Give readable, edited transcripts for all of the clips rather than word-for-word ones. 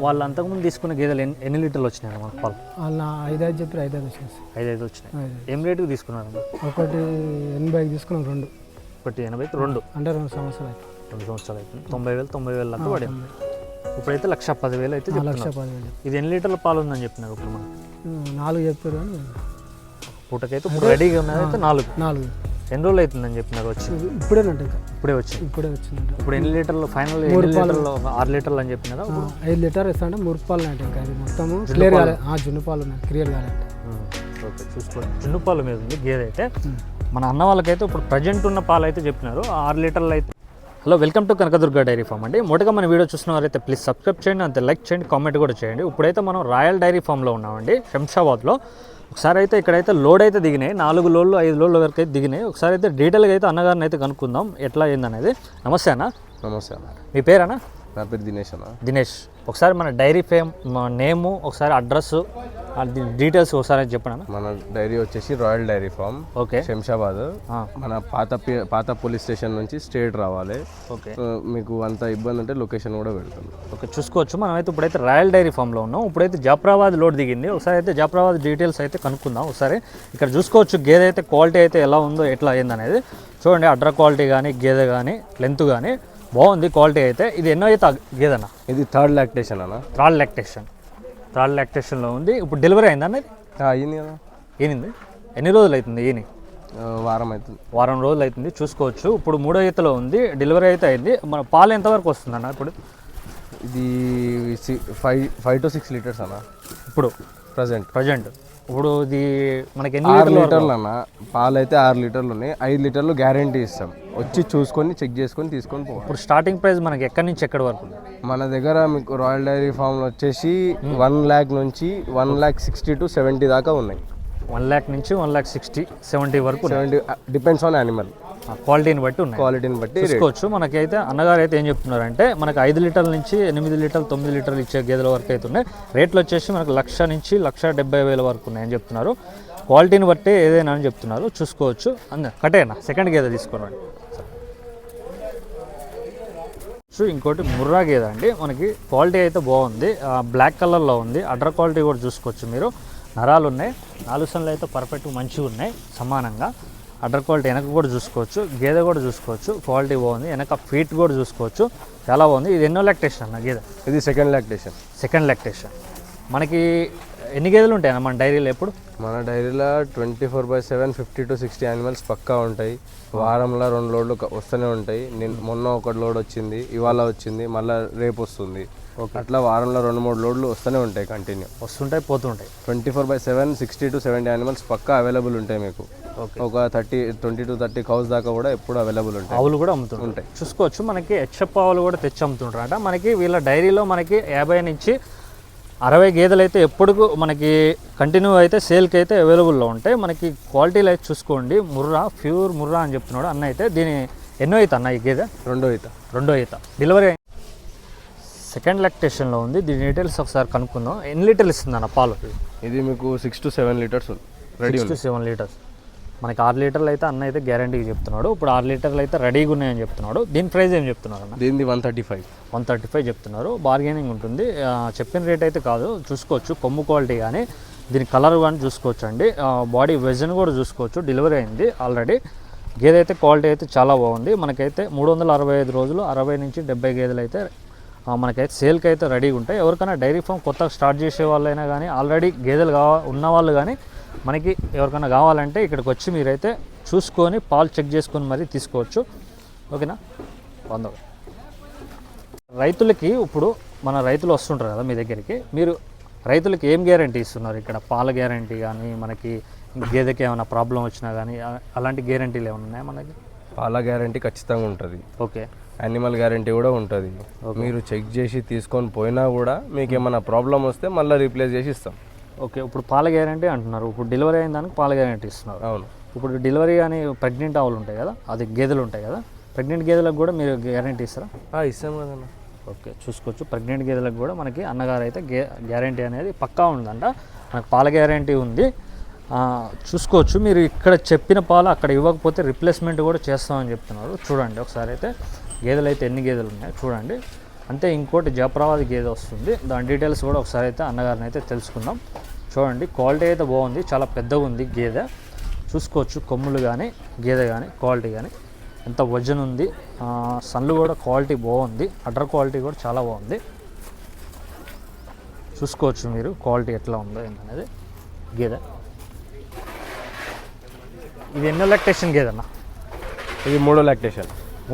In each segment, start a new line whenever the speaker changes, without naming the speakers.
వాళ్ళు అంతకుముందు తీసుకున్న గేదెలు ఎన్ని లీటర్లు వచ్చినాయి మనకు పాలు?
వాళ్ళు 5 చెప్పారు, 5 వచ్చినాయి.
5 వచ్చినాయి. ఏం రేటుకి తీసుకున్నారు?
ఒకటి 80 తీసుకున్నాం, 2.
ఒకటి 80, 2
అంటే 2 సంవత్సరాలు అయితే.
2 సంవత్సరాలు అవుతుంది. 90,000 దాకా పడింది. ఇప్పుడైతే 1,10,000 అయితే చెప్తున్నారు.
1,10,000.
ఇది ఎన్ని లీటర్ల పాలు ఉందని చెప్పినారు ఇప్పుడు మనకి?
4 చెప్పారు కానీ
పూటకైతే ఇప్పుడు రెడీగా ఉన్నది అయితే 4. ఎన్ని రోజులు అవుతుందని చెప్పినారు వచ్చి?
ఇప్పుడేనంట, ఇంకా
ఇప్పుడే వచ్చింది.
ఇప్పుడు
ఎన్ని లీటర్లు ఫైనల్?
3 లీటర్లు,
6 లీటర్లు అని చెప్పినారా?
5 లీటర్ ఇస్తాంటే 3 పాలు అంటే ఇంకా అది మొత్తము క్లియర్ కాలేదు. జున్ను పాలు ఉన్నాయి, క్లియర్ కాలేదు.
ఓకే, చూసుకోండి. జున్ను పాలు మీద ఉంది గేదె అయితే. మన అన్న వాళ్ళకైతే ఇప్పుడు ప్రజెంట్ ఉన్న పాలు అయితే చెప్పినారు 6 లీటర్లు అయితే. Hello, welcome to Kanakadurga dairy farm అండి. మొదటగా మన వీడియో చూసిన వారైతే ప్లీజ్ సబ్స్క్రైబ్ చేయండి, అంతే లైక్ చేయండి, కామెంట్ కూడా చేయండి. ఇప్పుడైతే మనం రాయల్ డైరీ ఫామ్లో ఉన్నామండి, శంషాబాద్లో. ఒకసారి అయితే ఇక్కడైతే లోడ్ అయితే దిగినాయి, 4 లోడ్లు 5 లోడ్ల వరకు అయితే దిగినాయి. ఒకసారి అయితే డీటెయిల్గా అయితే అన్నగారిని అయితే కనుక్కుందాం ఎట్లా అయిందనేది. నమస్తే అన్న.
నమస్తే అన్న.
మీ పేరేనా?
నా పేరు దినేష్ అన్న.
దినేష్, ఒకసారి మన డైరీ ఫేమ్ నేము, ఒకసారి అడ్రస్, డీటెయిల్స్ ఒకసారి చెప్పండి.
మన డైరీ వచ్చేసి royal dairy farm,
okay,
Shamshabad. మన పాత పోలీస్ స్టేషన్ నుంచి స్ట్రేట్ రావాలి.
ఓకే,
మీకు అంత ఇబ్బంది ఉంటే లొకేషన్ కూడా పెడతాం.
ఓకే, చూసుకోవచ్చు. మనం అయితే ఇప్పుడైతే రాయల్ డైరీ ఫామ్లో ఉన్నాం. ఇప్పుడైతే జాఫ్రాబాద్ లోడ్ దిగింది. ఒకసారి అయితే జాఫ్రాబాద్ డీటెయిల్స్ అయితే కనుక్కుందాం. ఒకసారి ఇక్కడ చూసుకోవచ్చు గేదె అయితే క్వాలిటీ అయితే ఎలా ఉందో, ఎట్లా అయిందనేది చూడండి. అడ్ర క్వాలిటీ కానీ, గేదె కానీ, లెంత్ కానీ బాగుంది క్వాలిటీ అయితే. ఇది ఎన్నో అయితే గేదెనా?
ఇది థర్డ్ లాక్టేషన్ అన్న.
థర్డ్ లాక్టేషన్లో ఉంది. ఇప్పుడు డెలివరీ అయిందా అన్నది?
అయ్యింది కదా.
ఏనింది? ఎన్ని రోజులు అవుతుంది?
వారం అవుతుంది.
వారం రోజులు అవుతుంది. చూసుకోవచ్చు. ఇప్పుడు 3వ ఈతలో ఉంది, డెలివరీ అయితే అయింది. మన పాలు ఎంతవరకు వస్తుంది అన్న ఇప్పుడు?
ఇది 5 to 6 లీటర్స్ అన్న
ఇప్పుడు ప్రజెంట్. ఇప్పుడు ఇది మనకి ఎన్ని
6 లీటర్లు అన్న. పాలు అయితే 6 లీటర్లు ఉన్నాయి. 5 లీటర్లు గ్యారంటీ ఇస్తాం. వచ్చి చూసుకొని చెక్ చేసుకొని తీసుకొని పోవాలి.
ఇప్పుడు స్టార్టింగ్ ప్రైస్ మనకి ఎక్కడి నుంచి ఎక్కడి వరకు?
మన దగ్గర మీకు రాయల్ డైరీ ఫామ్లో వచ్చేసి 1 lakh నుంచి 1,60,000 to 70,000 దాకా ఉన్నాయి.
1 lakh నుంచి 1,60,000, 70 వరకు.
డిపెండ్స్ ఆన్ యానిమల్
క్వాలిటీని బట్టి ఉన్నాయి.
క్వాలిటీని బట్టి
చూసుకోవచ్చు. మనకైతే అన్నగారు అయితే ఏం చెప్తున్నారంటే మనకు 5 లీటర్ల నుంచి 8 లీటర్లు 9 లీటర్లు ఇచ్చే గేదెల వరకు అయితే ఉన్నాయి. రేట్లు వచ్చేసి మనకు 1,00,000 నుంచి 1,70,000 వరకు ఉన్నాయని చెప్తున్నారు. క్వాలిటీని బట్టి ఏదైనా అని చెప్తున్నారు. చూసుకోవచ్చు. కటేనా సెకండ్ గేదె తీసుకోండి. సో ఇంకోటి ముర్రా గేదె అండి. మనకి క్వాలిటీ అయితే బాగుంది, బ్లాక్ కలర్లో ఉంది. అడ్డర్ క్వాలిటీ కూడా చూసుకోవచ్చు మీరు. నరాలు ఉన్నాయి, 4 సన్లు అయితే పర్ఫెక్ట్ మంచిగా ఉన్నాయి సమానంగా. అడ్డర్ క్వాలిటీ వెనక కూడా చూసుకోవచ్చు, గేదె కూడా చూసుకోవచ్చు, క్వాలిటీ బాగుంది. వెనక ఫీట్ కూడా చూసుకోవచ్చు, చాలా బాగుంది. ఇది ఎన్నో లాక్టేషన్ అన్న గేదె?
ఇది సెకండ్ లాక్టేషన్. మనకి ఎన్ని గేదెలు ఉంటాయి అన్న మన డైరీలో? ఎప్పుడు మన డైరీలో 24/7 50 to 60 యానిమల్స్ పక్కా ఉంటాయి. వారంలో 2 లోడ్లు వస్తూనే ఉంటాయి. మొన్న 1 లోడ్ వచ్చింది, ఇవాళ వచ్చింది, మళ్ళీ రేపు వస్తుంది. అట్లా వారంలో 2-3 లోడ్లు వస్తూనే ఉంటాయి, కంటిన్యూ
వస్తుంటాయి పోతుంటాయి.
24/7 60 to 70 యానిమల్స్ పక్కా అవైలబుల్ ఉంటాయి మీకు. ఒక 20 to 30 కౌస్ దాకా కూడా ఎప్పుడు అవైలబుల్ ఉంటాయి.
ఆవులు కూడా అమ్ముతుంటాయి. చూసుకోవచ్చు. మనకి హెచ్ఎఫ్ ఆవులు కూడా తెచ్చి అమ్ముతుంటారట. మనకి వీళ్ళ డైరీలో మనకి 50 నుంచి 60 గేదెలు అయితే ఎప్పుడు మనకి కంటిన్యూ అయితే సేల్కి అయితే అవైలబుల్లో ఉంటాయి. మనకి క్వాలిటీలు అయితే చూసుకోండి. ముర్రా, ప్యూర్ ముర్రా అని చెప్తున్నాడు అన్న. అయితే దీని ఎన్నో అవుతా అన్న ఈ గేదె? రెండో ఈత. డెలివరీ సెకండ్ లాక్టేషన్లో ఉంది. దీని డీటెయిల్స్ ఒకసారి కనుక్కుందాం. ఎన్ని లీటర్లు ఇస్తుంది అన్న పాలు?
ఇది మీకు 6 to 7 litres ready.
6 to 7 litres. మనకి 6 లీటర్లు అయితే అన్న అయితే గ్యారంటీకి చెప్తున్నాడు. ఇప్పుడు 6 లీటర్లు అయితే రెడీగా ఉన్నాయని చెప్తున్నాడు. దీని ప్రైస్ ఏం చెప్తున్నారు అన్న?
దీనిది 135
చెప్తున్నారు. బార్గెనింగ్ ఉంటుంది. చెప్పిన రేట్ అయితే కాదు. చూసుకోవచ్చు కొమ్ము క్వాలిటీ కానీ, దీని కలర్ కానీ చూసుకోవచ్చు అండి. బాడీ వెజన్ కూడా చూసుకోవచ్చు. డెలివరీ అయింది ఆల్రెడీ. గేదె అయితే క్వాలిటీ అయితే చాలా బాగుంది. మనకైతే 365 రోజులు 60 నుంచి 70 గేదెలు అయితే మనకైతే సేల్కి అయితే రెడీగా ఉంటాయి. ఎవరికైనా డైరీ ఫామ్ కొత్తగా స్టార్ట్ చేసే వాళ్ళైనా కానీ, ఆల్రెడీ గేదెలు ఉన్న వాళ్ళు కానీ మనకి ఎవరికైనా కావాలంటే ఇక్కడికి వచ్చి మీరైతే చూసుకొని పాలు చెక్ చేసుకొని మరీ తీసుకోవచ్చు. ఓకేనా? రైతులకి ఇప్పుడు మన రైతులు వస్తుంటారు కదా మీ దగ్గరికి, మీరు రైతులకి ఏం గ్యారంటీ ఇస్తున్నారు ఇక్కడ? పాల గ్యారంటీ కానీ, మనకి గేదెకి ఏమైనా ప్రాబ్లం వచ్చినా కానీ అలాంటి గ్యారంటీలు ఏమైనా ఉన్నాయా మనకి?
పాల గ్యారంటీ ఖచ్చితంగా ఉంటుంది.
ఓకే.
యానిమల్ గ్యారంటీ కూడా ఉంటుంది. మీరు చెక్ చేసి తీసుకొని పోయినా కూడా మీకు ఏమైనా ప్రాబ్లం వస్తే మళ్ళీ రీప్లేస్ చేసి ఇస్తాం.
ఓకే. ఇప్పుడు పాల గ్యారంటీ అంటున్నారు. ఇప్పుడు డెలివరీ అయిన దానికి పాల గ్యారంటీ ఇస్తున్నారు.
అవును.
ఇప్పుడు డెలివరీ కానీ ప్రెగ్నెంట్ ఆవులు ఉంటాయి కదా, అది గేదెలు ఉంటాయి కదా, ప్రెగ్నెంట్ గేదెలకు కూడా మీరు గ్యారంటీ ఇస్తారా?
ఇస్తాం కదన్నా.
ఓకే. చూసుకోవచ్చు. ప్రెగ్నెంట్ గేదెలకు కూడా మనకి అన్నగారు అయితే గ్యారంటీ అనేది పక్కా ఉందంట. మనకు పాల గ్యారంటీ ఉంది. చూసుకోవచ్చు. మీరు ఇక్కడ చెప్పిన పాలు అక్కడ ఇవ్వకపోతే రిప్లేస్మెంట్ కూడా చేస్తామని చెప్తున్నారు. చూడండి ఒకసారి అయితే గేదెలు అయితే ఎన్ని గేదెలు ఉన్నాయో చూడండి. అంతే. ఇంకోటి జాఫ్రాబాద్ గేదె వస్తుంది, దాని డీటెయిల్స్ కూడా ఒకసారి అయితే అన్నగారిని అయితే తెలుసుకుందాం. చూడండి క్వాలిటీ అయితే బాగుంది, చాలా పెద్దగా ఉంది గేదె. చూసుకోవచ్చు కొమ్ములు కానీ గేదె కానీ క్వాలిటీ కానీ ఎంత వజన్ ఉంది. సన్లు కూడా క్వాలిటీ బాగుంది, అడ్డర్ క్వాలిటీ కూడా చాలా బాగుంది. చూసుకోవచ్చు మీరు క్వాలిటీ ఎట్లా ఉందో ఏంటనేది గేదె. ఇది ఎన్నో లాక్టేషన్ గేదెన్నా?
ఇది మూడో లాక్టేషన్.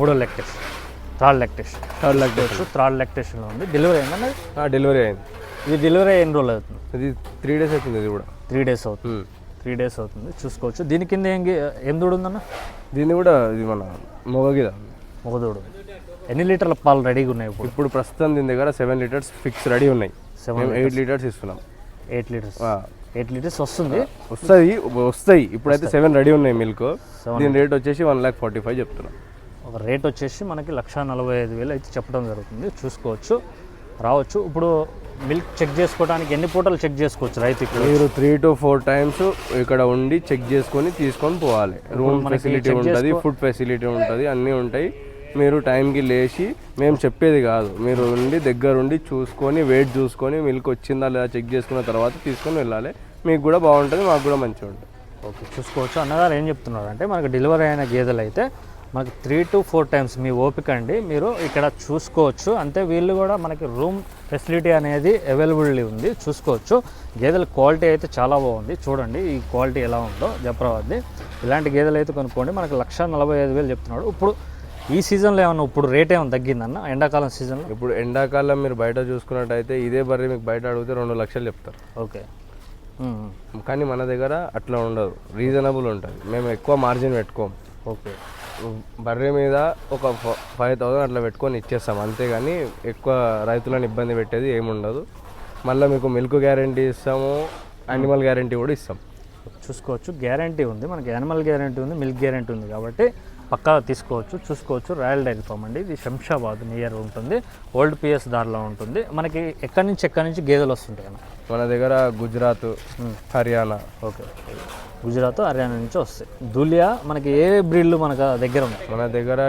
Third lactation. థర్డ్ లాక్టేషన్లో ఉంది. డెలివరీ అయిందన్నది?
డెలివరీ అయింది.
ఇది డెలివరీ ఎన్ని రోజులు అవుతుంది?
ఇది 3 days అవుతుంది. ఇది కూడా
3 days అవుతుంది. 3 days అవుతుంది. చూసుకోవచ్చు. దీని కింద ఏం దూడు ఉందన్న?
దీన్ని కూడా ఇది మన మొగగిద
మొగదూడు. ఎన్ని లీటర్ల పాలు రెడీగా ఉన్నాయి ఇప్పుడు?
ఇప్పుడు ప్రస్తుతం దీని దగ్గర 7 liters ఫిక్స్ రెడీ ఉన్నాయి. 8 liters ఇస్తున్నాం.
8 లీటర్స్
వస్తాయి. ఇప్పుడైతే 7 రెడీ ఉన్నాయి మిల్క్. దీని రేట్ వచ్చేసి 1,45,000 చెప్తున్నాం.
ఒక రేట్ వచ్చేసి మనకి 1,45,000 అయితే చెప్పడం జరుగుతుంది. చూసుకోవచ్చు, రావచ్చు. ఇప్పుడు మిల్క్ చెక్ చేసుకోవడానికి ఎన్ని పూటలు చెక్ చేసుకోవచ్చు రైతు?
మీరు 3 to 4 times ఇక్కడ ఉండి చెక్ చేసుకొని తీసుకొని పోవాలి. రూమ్ ఫెసిలిటీ ఉంటుంది, ఫుడ్ ఫెసిలిటీ ఉంటుంది, అన్నీ ఉంటాయి. మీరు టైంకి లేచి, మేము చెప్పేది కాదు, మీరు ఉండి దగ్గరుండి చూసుకొని వెయిట్ చూసుకొని మిల్క్ వచ్చిందా లేదా చెక్ చేసుకున్న తర్వాత తీసుకొని వెళ్ళాలి. మీకు కూడా బాగుంటుంది, మాకు కూడా మంచిగా ఉంటుంది.
ఓకే, చూసుకోవచ్చు. అన్నగారు ఏం చెప్తున్నారు అంటే మనకు డెలివరీ అయిన గేదెలు అయితే మనకి 3 to 4 times మీ ఓపిక అండి, మీరు ఇక్కడ చూసుకోవచ్చు. అంతే వీళ్ళు కూడా మనకి రూమ్ ఫెసిలిటీ అనేది అవైలబిలిటీ ఉంది. చూసుకోవచ్చు. గేదెల క్వాలిటీ అయితే చాలా బాగుంది. చూడండి ఈ క్వాలిటీ ఎలా ఉందో జాఫ్రాబాద్ది. ఇలాంటి గేదెలు అయితే కొనుక్కోండి. మనకి 1,45,000 చెప్తున్నాడు. ఇప్పుడు ఈ సీజన్లో ఏమన్నా ఇప్పుడు రేట్ ఏమైనా తగ్గిందన్న? ఎండాకాలం సీజన్లో
ఇప్పుడు ఎండాకాలం మీరు బయట చూసుకున్నట్టయితే ఇదే బర్రె మీకు బయట అడిగితే 2 లక్షలు చెప్తారు.
ఓకే,
కానీ మన దగ్గర అట్లా ఉండదు, రీజనబుల్ ఉంటుంది. మేము ఎక్కువ మార్జిన్ పెట్టుకోము.
ఓకే,
బర్రె మీద ఒక 5,000 అట్లా పెట్టుకొని ఇచ్చేస్తాం, అంతేగాని ఎక్కువ రైతులను ఇబ్బంది పెట్టేది ఏముండదు. మళ్ళీ మీకు మిల్క్ గ్యారంటీ ఇస్తాము, యానిమల్ గ్యారంటీ కూడా ఇస్తాం.
చూసుకోవచ్చు. గ్యారంటీ ఉంది మనకి, యానిమల్ గ్యారంటీ ఉంది, మిల్క్ గ్యారంటీ ఉంది కాబట్టి పక్కా తీసుకోవచ్చు. చూసుకోవచ్చు. రాయల్ డైరీ ఫామ్ అండి, ఇది శంషాబాద్ నియర్ ఉంటుంది, ఓల్డ్ పిఎస్ దారిలో ఉంటుంది. మనకి ఎక్కడి నుంచి గేదెలు వస్తుంటాయి అన్న?
మన దగ్గర గుజరాత్, హర్యానా.
ఓకే, గుజరాత్ హర్యానా నుంచి వస్తాయి. దులియా మనకి ఏ బ్రీడ్లు మనకు దగ్గర ఉన్నాయి?
మన దగ్గర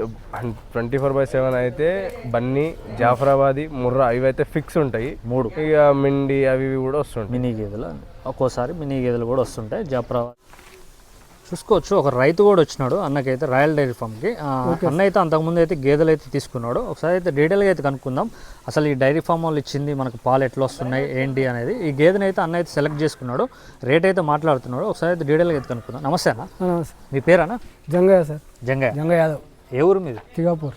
24/7 అయితే బన్నీ, జాఫ్రాబాదీ, ముర్రా ఇవైతే ఫిక్స్ ఉంటాయి. 3 ఇక మిండి అవి కూడా వస్తుంటాయి.
మినీ గేదెలు ఒక్కోసారి మినీ గేదెలు కూడా వస్తుంటాయి. జాఫ్రాబాద్ చూసుకోవచ్చు. ఒక రైతు కూడా వచ్చినాడు అన్నకైతే రాయల్ డైరీ ఫామ్కి. అన్న అయితే అంతకుముందు అయితే గేదెలు అయితే తీసుకున్నాడు. ఒకసారి అయితే డీటెయిల్గా అయితే కనుక్కుందాం అసలు ఈ డైరీ ఫామ్ వాళ్ళు ఇచ్చింది మనకు పాలు ఎట్లా వస్తున్నాయి ఏంటి అనేది. ఈ గేదెని అయితే అన్న అయితే సెలెక్ట్ చేసుకున్నాడు, రేట్ అయితే మాట్లాడుతున్నాడు. ఒకసారి అయితే డీటెయిల్గా అయితే కనుక్కుందాం. నమస్తే అన్న, మీ పేరేనా?
జంగయ్య సార్.
జంగయ్య
యాదవ్.
ఏ ఊరు మీది?
తిగాపూర్.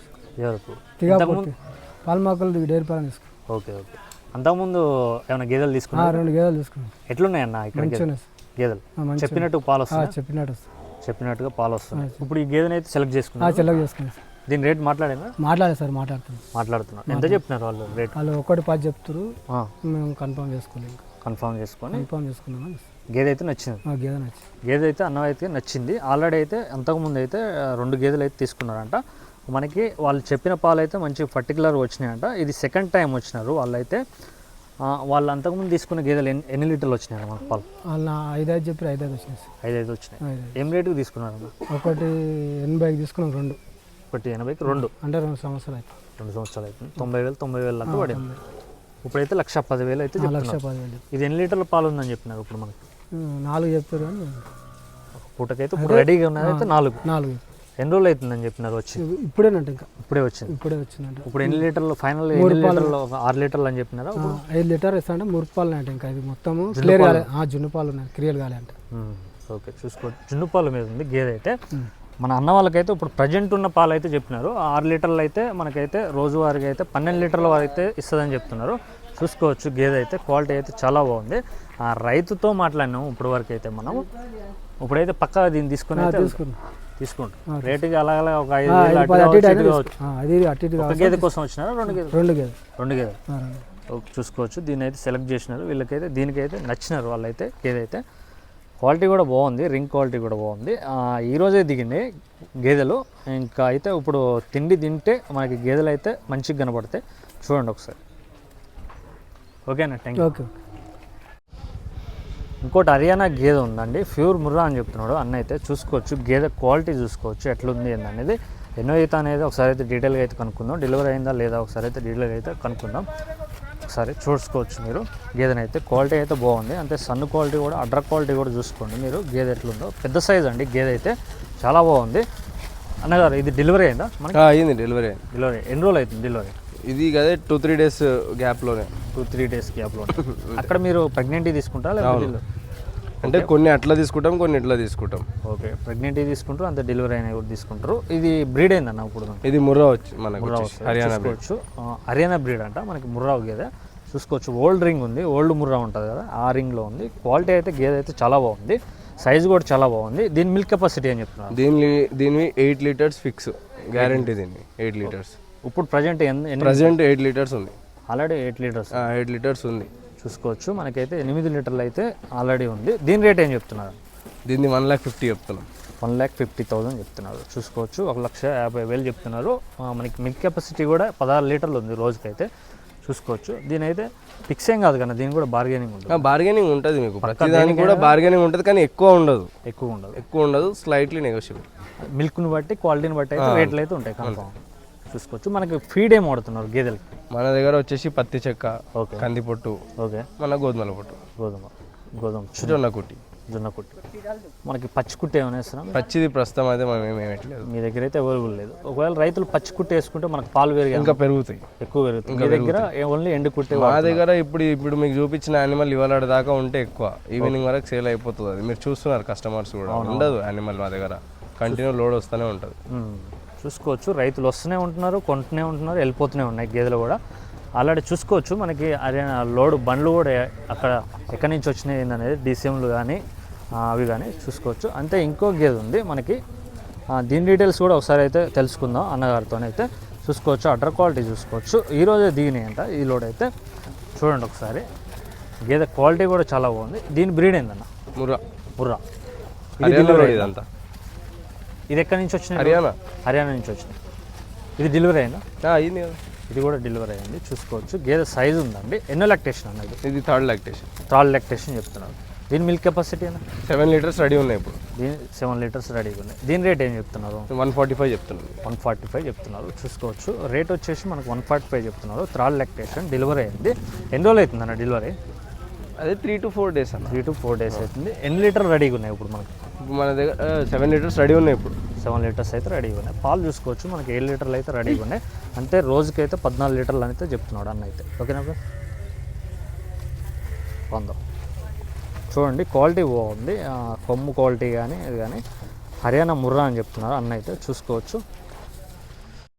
పాల్మాకల్ డైరీ ఫామ్ తీసుకున్నాం.
ఓకే. అంతకుముందు ఏమైనా గేదెలు తీసుకున్నా?
2 గేదెలు తీసుకున్నాం.
ఎట్లున్నాయి అన్న ఇక్కడ గేదెలు? చెప్పినట్టు పాలు వస్తాయి? చెప్పినట్టుగా పాలు వస్తున్నాయి. ఇప్పుడు ఈ గేదెని అయితే సెలెక్ట్ చేసుకున్నాను. దీని రేట్ మాట్లాడారు
సార్?
మాట్లాడుతున్నారు. ఎంత చెప్తున్నారు వాళ్ళు రేట్?
వాళ్ళు 1.10 చెప్తారు. మేము కన్ఫర్మ్ చేసుకున్నాం.
గేదె అయితే నచ్చింది. గేదె అయితే అన్న అయితే నచ్చింది. ఆల్రెడీ అయితే అంతకుముందు అయితే 2 గేదెలు అయితే తీసుకున్నారంట. మనకి వాళ్ళు చెప్పిన పాలు అయితే మంచి పర్టికులర్ వచ్చినాయంట. ఇది సెకండ్ టైం వచ్చినారు వాళ్ళైతే. వాళ్ళు అంతకుముందు తీసుకున్న గేదెలు ఎన్ని లీటర్లు వచ్చినాయి మనకు పాలు?
వాళ్ళు 5 చెప్పి 5 వచ్చినాయి.
5 వచ్చినాయి. ఏం రేటుకి తీసుకున్నారు?
1.80 తీసుకున్నాం.
1.80కి 2
అంటే 2 సంవత్సరాలు అయితే
2 సంవత్సరాలు అవుతుంది. 90,000 అంతా పడింది. ఇప్పుడైతే 1,10,000 అయితే చెప్తున్నారు. ఇది ఎన్ని లీటర్ల పాలు ఉందని చెప్పినారు ఇప్పుడు మనకి?
4 చెప్పారు. కానీ
పూటకైతే ఇప్పుడు రెడీగా ఉన్నది అయితే 4. ఎన్ని రోజులు అవుతుందని చెప్పినారు వచ్చి?
ఇప్పుడేనంట, ఇంకా
ఇప్పుడే వచ్చిందంట. ఇప్పుడు ఎన్ని లీటర్లు ఫైనల్? 6 లీటర్లు అని చెప్పినారా?
5 లీటర్ ఇస్తాంటే మురుపాలు అంటే ఇంకా ఇది మొత్తం క్లియర్ కాలే. జున్ను పాలు ఉన్నాయి, క్లియర్ కాలే అంటే.
ఓకే, చూసుకోవచ్చు. జున్ను పాలు మీద ఉంది గేదె అయితే. మన అన్న వాళ్ళకైతే ఇప్పుడు ప్రజెంట్ ఉన్న పాలు అయితే చెప్పినారు 6 లీటర్లు అయితే మనకైతే రోజువారీగా అయితే 12 లీటర్ల వరకు అయితే ఇస్తుందని చెప్తున్నారు. చూసుకోవచ్చు. గేదె అయితే క్వాలిటీ అయితే చాలా బాగుంది. ఆ రైతుతో మాట్లాడినాము ఇప్పుడు వరకు అయితే మనం. ఇప్పుడైతే పక్కా దీన్ని తీసుకుని తీసుకుంటాం. రేటుకి అలా ఒక 5,000 గేదె కోసం వచ్చినారా? 2 గేదెలు. చూసుకోవచ్చు. దీన్ని అయితే సెలెక్ట్ చేసినారు. వీళ్ళకైతే దీనికైతే నచ్చినారు వాళ్ళైతే. గేదె అయితే క్వాలిటీ కూడా బాగుంది, రింగ్ క్వాలిటీ కూడా బాగుంది. ఈరోజే దిగింది గేదెలు. ఇంకా అయితే ఇప్పుడు తిండి తింటే మనకి గేదెలు అయితే మంచిగా కనపడతాయి. చూడండి ఒకసారి. ఓకేనా? Thank you. ఇంకోటి హర్యానా గేదె ఉందండి, ప్యూర్ ముర్రా అని చెప్తున్నాడు అన్న అయితే. చూసుకోవచ్చు గేదె క్వాలిటీ చూసుకోవచ్చు ఎట్లుంది అనేది. ఎన్నో ఈత అనేది ఒకసారి అయితే డీటెయిల్గా అయితే కనుక్కుందాం. డెలివరీ అయిందా లేదా ఒకసారి అయితే డీటెయిల్గా అయితే కనుక్కుందాం. ఒకసారి చూసుకోవచ్చు మీరు గేదెనైతే. క్వాలిటీ అయితే బాగుంది, అంటే సన్ క్వాలిటీ కూడా అడ్డర్ క్వాలిటీ కూడా చూసుకోండి మీరు గేదె ఎట్లుందో. పెద్ద సైజ్ అండి గేదె అయితే, చాలా బాగుంది. అన్నగారు ఇది డెలివరీ అయిందా మనకి?
అయింది డెలివరీ.
డెలివరీ ఎన్ని రోజులు అవుతుంది డెలివరీ?
ఇది కదే 2-3 డేస్ గ్యాప్లోనే.
2-3 డేస్ గ్యాప్లో. అక్కడ మీరు ప్రెగ్నెంటీ తీసుకుంటారా లేకపోతే?
అంటే కొన్ని అట్లా తీసుకుంటాం, కొన్ని ఇట్లా తీసుకుంటాం.
ఓకే, ప్రెగ్నెంటీ తీసుకుంటారు, అంతే డెలివరీ అయినా కూడా తీసుకుంటారు. ఇది బ్రీడ్ ఏందన్న ఇప్పుడు?
ఇది ముర్రా వచ్చి మనకు హర్యానా
చూసుకోవచ్చు. హర్యానా బ్రీడ్ అంట మనకి ముర్రా గేదె చూసుకోవచ్చు. ఓల్డ్ రింగ్ ఉంది, ఓల్డ్ ముర్రా ఉంటుంది కదా, ఆ రింగ్లో ఉంది. క్వాలిటీ అయితే గేదె అయితే చాలా బాగుంది, సైజ్ కూడా చాలా బాగుంది. దీని మిల్క్ కెపాసిటీ ఏం చెప్తున్నారు?
దీనివి 8 లీటర్స్ ఫిక్స్ గ్యారంటీ. దీన్ని 8 లీటర్స్
ఇప్పుడు ప్రజెంట్
8 లీటర్స్ ఉంది.
ఆల్రెడీ 8 లీటర్స్
8 లీటర్స్ ఉంది
చూసుకోవచ్చు. మనకైతే 8 లీటర్లు అయితే ఆల్రెడీ ఉంది. దీని రేట్ ఏం చెప్తున్నారు?
దీన్ని 1,50,000 చెప్తున్నాం.
1,50,000 చెప్తున్నారు చూసుకోవచ్చు. 1,50,000 చెప్తున్నారు. మనకి మిల్క్ కెపాసిటీ కూడా 16 లీటర్లు ఉంది రోజుకైతే చూసుకోవచ్చు. దీని అయితే ఫిక్స్ ఏం కాదు కదా, దీని కూడా బార్గెనింగ్ ఉంటుంది.
బార్గెనింగ్ ఉంటుంది మీకు, ప్రతి దానికి కూడా బార్గెనింగ్ ఉంటుంది, కానీ ఎక్కువ ఉండదు, స్లైట్లీ నెగోషియబుల్.
మిల్క్ని బట్టి క్వాలిటీని బట్టి అయితే రేట్లు అయితే ఉంటాయి కన్ఫామ్ చూసుకోవచ్చు. మనకి ఫీడ్ ఏం వాడుతున్నారు గేదెలకి?
మన దగ్గర వచ్చేసి పత్తి చెక్క, కందిపొట్టు,
ఓకే,
మన గోధుమల పొట్టు,
గోధుమ జొన్న కుట్టి. మనకి పచ్చి కుట్టి ఏమైనా వేస్తున్నాం?
పచ్చిది ప్రస్తుతం అయితే మనం ఏమేయట్లేదు,
మీ దగ్గర అయితే అవైలబుల్ లేదు. ఒకవేళ రైతులు పచ్చి కుట్టి వేసుకుంటే మనకు పాలు పెరిగి
ఇంకా పెరుగుతాయి,
ఎక్కువ పెరుగుతాయి. మీ దగ్గర ఓన్లీ ఎండు కుట్టి?
మా దగ్గర ఇప్పుడు మీకు చూపించిన యానిమల్ ఇవాళ దాకా ఉంటే ఎక్కువ, ఈవినింగ్ వరకు సేల్ అయిపోతుంది. అది మీరు చూస్తున్నారు, కస్టమర్స్ కూడా ఉండదు యానిమల్ మా దగ్గర, కంటిన్యూ లోడ్ వస్తూనే ఉంటుంది.
చూసుకోవచ్చు. రైతులు వస్తూనే ఉంటున్నారు, కొంటూనే ఉంటున్నారు, వెళ్ళిపోతూనే ఉన్నాయి గేదెలు కూడా. ఆల్రెడీ చూసుకోవచ్చు. మనకి హర్యానా లోడ్ బండ్లు కూడా అక్కడ ఎక్కడి నుంచి వచ్చినాయి ఏందనేది డీసీఎంలు కానీ అవి కానీ చూసుకోవచ్చు. అంతే ఇంకో గేదె ఉంది మనకి, దీని డీటెయిల్స్ కూడా ఒకసారి అయితే తెలుసుకుందాం అన్నగారితోనైతే. చూసుకోవచ్చు, అడ్డర్ క్వాలిటీ చూసుకోవచ్చు. ఈరోజే దిగినాయి అంట ఈ లోడ్ అయితే. చూడండి ఒకసారి, గేదె క్వాలిటీ కూడా చాలా బాగుంది. దీని బ్రీడ్ ఏందన్న? ముర్రా.
ఇదంతా
ఇది ఎక్కడి నుంచి వచ్చింది? హర్యానా నుంచి వచ్చింది. ఇది డెలివరీ అయిందా?
అయింది కదా,
ఇది కూడా డెలివరీ అయింది చూసుకోవచ్చు. గేదె సైజు ఉందండి. ఎన్నో లాక్టేషన్ అన్నది?
ఇది థర్డ్ లాక్టేషన్.
చెప్తున్నారు. దీని మిల్క్ కెపాసిటీ అన్న?
7 లీటర్స్ రెడీ ఉన్నాయి ఇప్పుడు.
దీని 7 లీటర్స్ రెడీగా ఉన్నాయి. దీని రేట్ ఏం చెప్తున్నారు?
145 చెప్తున్నారు.
145 చెప్తున్నారు చూసుకోవచ్చు. రేట్ వచ్చేసి మనకు 145 చెప్తున్నారు. థర్డ్ లాక్టేషన్ డెలివరీ అయింది. ఎన్ని రోజులు అవుతుంది అన్న డెలివరీ?
అదే 3 to 4 days అన్న.
3 to 4 days అవుతుంది. ఎన్ని లీటర్ రెడీగా ఉన్నాయి ఇప్పుడు మనకి?
మన దగ్గర 7 లీటర్స్ రెడీ ఉన్నాయి ఇప్పుడు.
7 లీటర్స్ అయితే రెడీగా ఉన్నాయి. పాలు చూసుకోవచ్చు. మనకి 7 లీటర్లు అయితే రెడీగా ఉన్నాయి. అంటే రోజుకైతే 14 లీటర్లు అయితే చెప్తున్నాడు అన్న అయితే. ఓకేనా బ్రో? పొందాం. చూడండి క్వాలిటీ బాగుంది, కొమ్ము క్వాలిటీ కానీ ఇది కానీ హర్యానా ముర్రా అని చెప్తున్నారు అన్న అయితే చూసుకోవచ్చు.